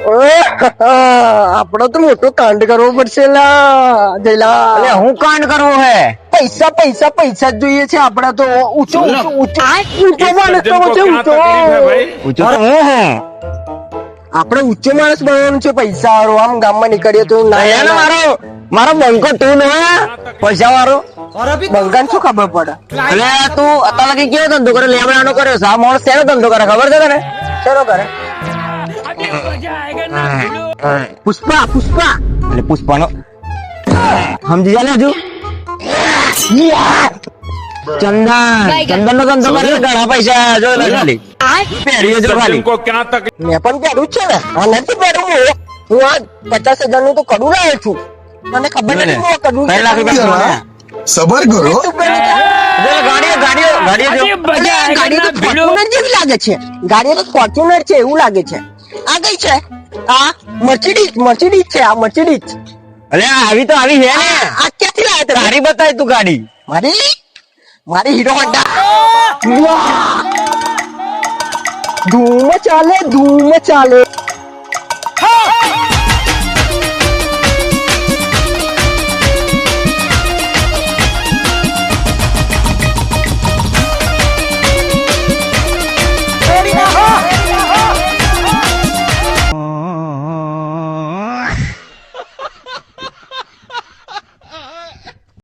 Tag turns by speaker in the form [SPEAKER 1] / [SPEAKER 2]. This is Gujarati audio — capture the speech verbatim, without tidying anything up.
[SPEAKER 1] આપડે તો મોટો કાંડ કરવો પડશે લા જયલા.
[SPEAKER 2] અરે હું કાંડ કરવો હે?
[SPEAKER 1] પૈસા પૈસા પૈસા જ જોઈએ છે આપડા તો. ઊંચો ઊંચો ઊંચો ઊંચો માણસ બનવો છે ઊંચો.
[SPEAKER 2] ઊંચો તો હું હું
[SPEAKER 1] આપડે ઊંચો માણસ બનવાનું છે. પૈસા વાળો આમ ગામમાં નીકળીએ તો ના
[SPEAKER 2] અરે ને મારો મારો બંકો તું ને પૈસા વાળો
[SPEAKER 1] બંગાન શું ખબર પડે.
[SPEAKER 2] અલે તું અત્યારે લગી કેવો ધંધો કરે? લેબડાનો કર્યો સા માણસ શેનો ધંધો કરે ખબર છે તને?
[SPEAKER 1] ચલો કરે પુષ્પા પુષ્પા
[SPEAKER 2] એટલે પુષ્પાનો સમજી જા ને હજુ ચંદન ચંદન નો ધંધો કરે ઘણા પૈસા જો ને ખાલી પહેરીએ જો ખાલી
[SPEAKER 1] મેં પણ પહેરું જ છે ને. આ નથી પહેરું હું હું આ પચાસ હજાર નું તો કડું લાવ્યો છું. મને ખબર નથી હું આ કડું
[SPEAKER 2] ત્રણ લાખ રૂપિયા
[SPEAKER 3] સબર કરો.
[SPEAKER 2] ગાડીઓ ગાડીઓ ગાડીઓ જો
[SPEAKER 1] ગાડી તો ફોર્ચ્યુનર જેવી લાગે છે. ગાડી તો ફોર્ચ્યુનર છે એવું લાગે છે. આ કઈ છે? આ મર્સિડીઝ મર્સિડીઝ છે. આ મર્સિડીઝ.
[SPEAKER 2] અલે આવી તો આવી છે ને.
[SPEAKER 1] આ ક્યાંથી લાવ્યા તમે?
[SPEAKER 2] તારી બતાય તું ગાડી.
[SPEAKER 1] મારી મારી હીરો હોન્ડા. ધૂમ ચાલે ધૂમ ચાલે.